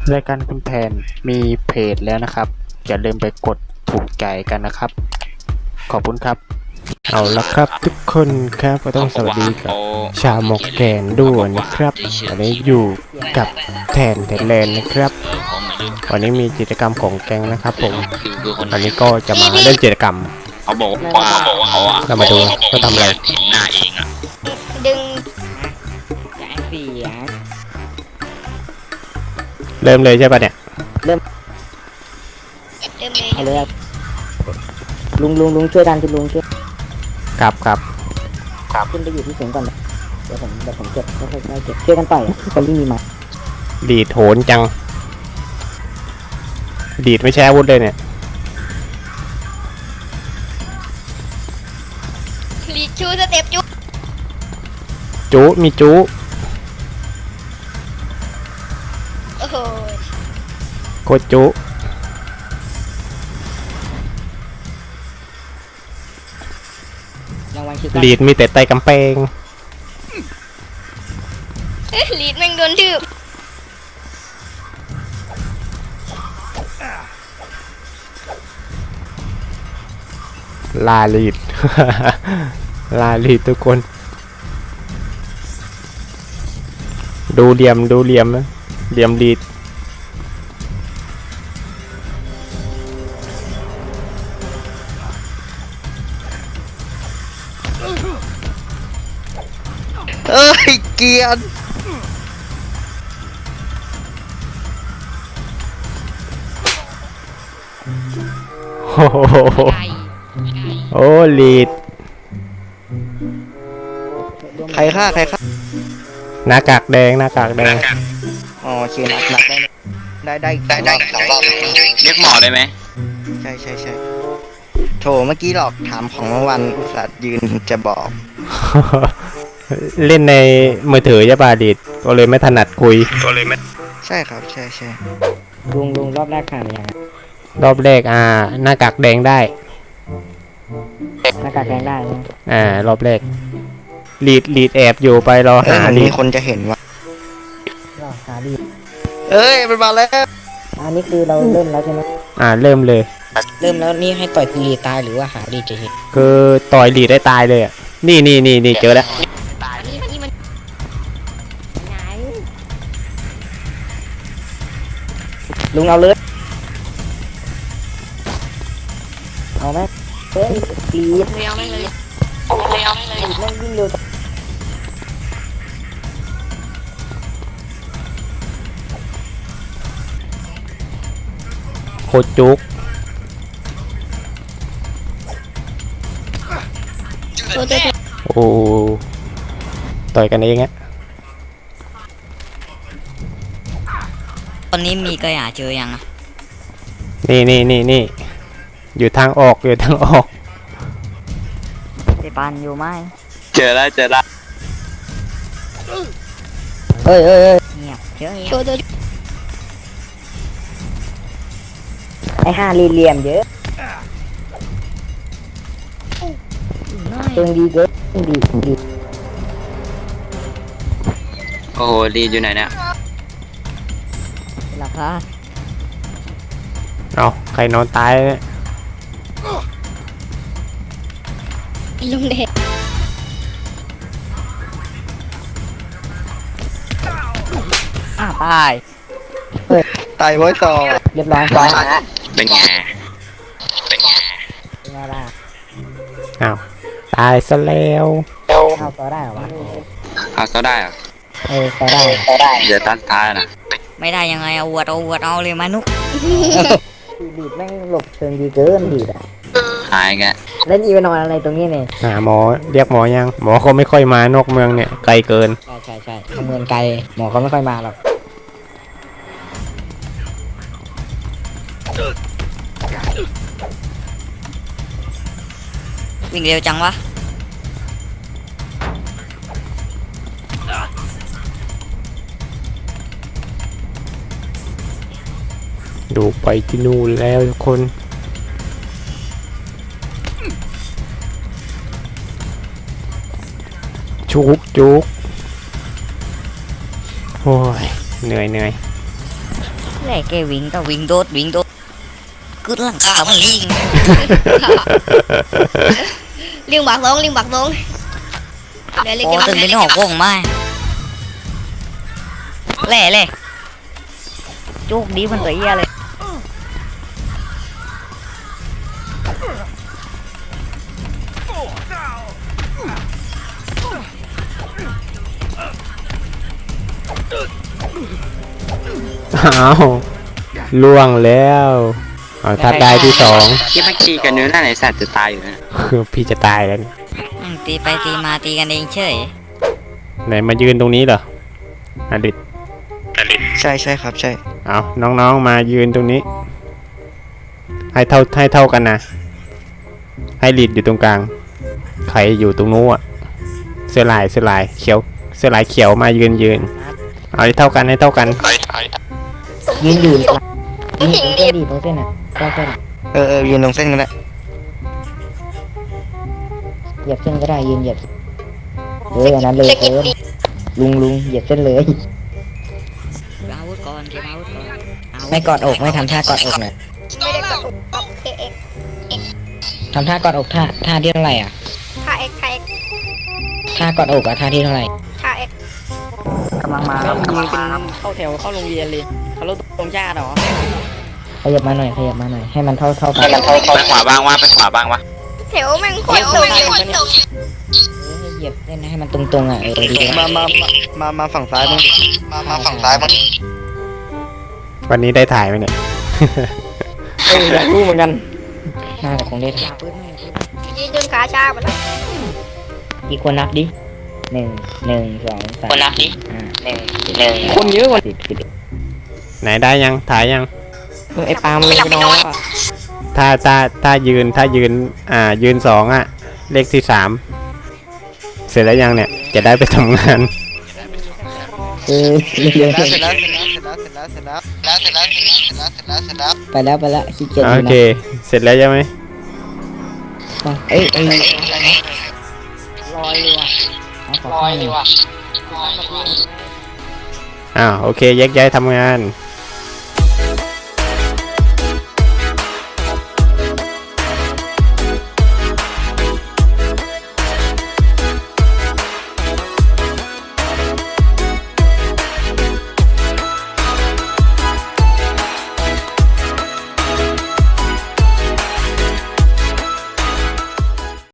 รายการคุณแผนมีเพจแล้วนะครับอย่าลืมไปกดถูกใจกันนะครับขอบคุณครับเอาละครับทุกคนครับก็ต้องสวัสดีกับชาวมอกแกนด้วยนะครับวันนี้อยู่กับแทนไทยแลนด์นะครับวันนี้มีกิจกรรมของแก๊งนะครับผมวันนี้ก็จะมาเล่นกิจกรรมเขาบอกว่าเรามาดูก็ทำอะไรเห็นหน้าเองอ่ะดึงเสียงเริ่มเลยใช่ปะเนี่ยเริ่มเอาเลเลย ยลุงช่วยดันที่ลุงช่วยครับขึ้นไปอยู่ที่สูงก่อนเดี๋ยวผมเก็บค่อยๆเก็บช่วยกันต่อยคนที่มีไม้ดีดโหนจังดีดไม่ใช่อาวุธเลยเนี่ยลีชูสเต็ปจูจุมีจุโอ้โหโคจุรางวัลคือลีดมีแต่ไต่กำแพงลีดแม่งโดนทืบลาลีด ลาลีดทุกคนดูเหลี่ยมนะเหลี่ยมลีดเอ้ยเกียร์โอ้โหโอ้ลีดใครฆ่าหน้ากากแดงอ๋อโอเคหนักได้สองรอบเรียกหมอได้ไหมใช่โถเมื่อกี้หลอกถามของรางวัลอุตส่าห์ยืนจะบอกเล่นในมือถือใช่ป่ะลีดก็เลยไม่ถนัดคุยใช่ครับใช่ลุงรอบแรกผ่านยังรอบแรกหน้ากากแดงได้หน้ากากแดงได้นะรอบแรกลีดแอบอยู่ไปรอหาลีมีดคนจะเห็นว่ารอหาดีเอ้ยมันมาแล้วอันนี้คือเราเริ่มแล้วใช่ไหมเริ่มเลยเริ่มแล้วนี่ให้ต่อยทีตายหรือว่าหาดีจะเห็นคือต่อยลีดได้ตายเลยอ่ะนี่เจอแล้วลุงเอาเลยเอาไหมเฮ้ยกรีดเลี้ยวไม่เลยแม่งวิ่งเร็วโคจุกโอ้ตัวโอ้ต่อยกันเองอะตอนนี้มีกระหยาเจอยังอะนี่อยู่ทางออกเจปันอยู่ไหมเจอแล้วเฮ้ยเงียบเจอโชว์ตัวไอ้ห้าเหลี่ยมเยอะตึงดีเกินดีโอ้โหดีอยู่ไหนเนี่ยราคาเอาใครนอนตายเนี่ยลุงเด็กตายตายไว้ซอเรียบร้อยฟ้าเป็นไงเป็นไงล่ะเอาตายซะแล้วเข้าต่อได้เหรอวะเอาก็ได้อะต่อได้เดี๋ยวตัดท้ายนะไม่ได้ยังไงเอาอวดเอาเลยมานุกดีดแม่งหลบเชิงดีเกินดีดอ่ะหายแกแล้วนี่ไปนอนอะไรตรงนี้เนี่ยหาหมอเรียกหมอยังหมอเขาไม่ค่อยมานอกเมืองเนี่ยไกลเกินใช่ทำเงินไกลหมอเขาไม่ค่อยมาหรอกวิ่งเร็วจังวะดูไปที่นู่นแล้วทุกคนจุกโอ้ยเหนื่อยแหละแกวิ่งก็วิ่งโดดกึดหลังคามันลิงลิงบักลงลิงบักลงเดี๋ยวเรียกโอ้เก็บตึงเป็นออกวงมาแหล่จุกดีมันตัวเอี้ยเลยอ้าวล่วงแล้วเอาทัดได้ที่สองที่เมื่อกี้กับเนื้อหน้าไหนสัตว์จะตายอยู่นะพี่จะตายแล้วเนี่ยตีไปตีมาตีกันเองเฉยไหนมายืนตรงนี้เหรออดิตใช่ใช่ครับใช่เอาน้องๆมายืนตรงนี้ ให้เท่ากันนะให้ลิดอยู่ตรงกลางใครอยู่ตรงนู้นอะเสื้อลายเขียวเสื้อลายเขียวมายืนเอาให้เท่ากันยืนอยู่ยืนตรงเส้นดีตรงเส้นอ่ะตรงเส้นยืนตรงเส้นกันแล้วเหยียบเส้นก็ได้ยืนเหยียบอันนั้นเลยจะเก็บดีลุงเหยียบเส้นเลยอาวุธก่อนเก็บอาวุธก่อนไม่กอดอกไม่ทำท่ากอดอกหน่อยไม่ได้กดโอเคเอ็กทำท่ากอดอกท่าที่เท่าไหร่อ่ะท่าเอ็กท่าเอ็กท่ากอดอกอ่ะท่าที่เท่าไหร่ท่าเอ็กกำลังมายิงเป็นเข้าแถวเข้าโรงเรียนเลยเขาลดตรงชาติเหรอขยับมาหน่อยให้มันเท่ากันไปขวาบ้างวะแถวแม่งโคตรตรงเลยให้เหยียบเส้นให้มันตรงๆอ่ะดีมาฝั่งซ้ายบ้างดิมาฝั่งซ้ายบ้างวันนี้ได้ถ่ายไหมเนี่ยอยากรู้เหมือนกันน่าจะคงได้ถ่ายยืนจนขาชาไปแล้วอีกคนนับดิ1 2 3คนนับดิ1 คนเยอะกว่าไหนได้ยังถ่ายยังไอ้ปาล์มเลยไปนอนแล้วอะถ้ายืนยืน2อ่ะเลขที่3เสร็จแล้วยังเนี่ยจะได้ไปทำงานเร็วเสร็จแล้วไปแล้วขี้เกียจโอเคเสร็จแล้วใช่ไหมเอ้ยลอยเลยว่ะลอยเลยว่ะโอเคแยกย้ายทำงาน